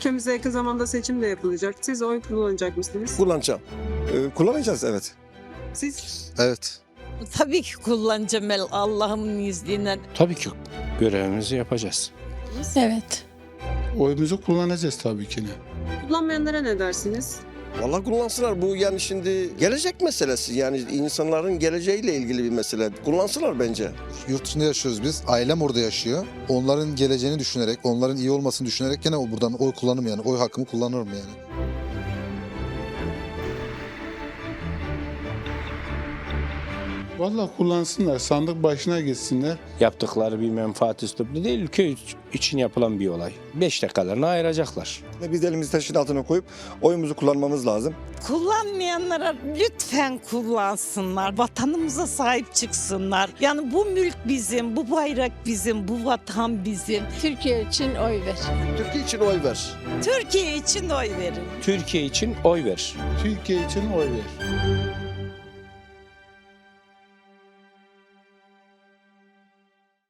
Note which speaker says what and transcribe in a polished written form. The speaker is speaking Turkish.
Speaker 1: Ülkemizde yakın zamanda seçim de yapılacak. Siz oy kullanacak mısınız?
Speaker 2: Kullanacağım. Kullanacağız, evet.
Speaker 1: Siz?
Speaker 2: Evet.
Speaker 3: Tabii ki kullanacağım Allah'ımın izniyle.
Speaker 4: Tabii ki görevimizi yapacağız.
Speaker 5: Evet.
Speaker 6: Oyumuzu kullanacağız tabii ki.
Speaker 1: Kullanmayanlara ne dersiniz?
Speaker 2: Vallahi kullansınlar. Bu yani şimdi gelecek meselesi. Yani insanların geleceğiyle ilgili bir mesele. Kullansınlar bence.
Speaker 7: Yurt dışında yaşıyoruz biz. Ailem orada yaşıyor. Onların geleceğini düşünerek, onların iyi olmasını düşünerek gene buradan oy kullanırım yani. Oy hakkımı kullanırım yani.
Speaker 6: Vallahi kullansınlar, sandık başına gitsinler.
Speaker 4: Yaptıkları bir menfaat üslubu değil, ülke için yapılan bir olay. 5 dakikalarını ayıracaklar.
Speaker 2: Biz de elimizi taşın altına koyup oyumuzu kullanmamız lazım.
Speaker 3: Kullanmayanlara lütfen kullansınlar. Vatanımıza sahip çıksınlar. Yani bu mülk bizim, bu bayrak bizim, bu vatan bizim.
Speaker 5: Türkiye için oy ver.
Speaker 2: Türkiye için oy ver.
Speaker 3: Türkiye için oy verin.
Speaker 4: Türkiye için oy ver.
Speaker 6: Türkiye için oy ver.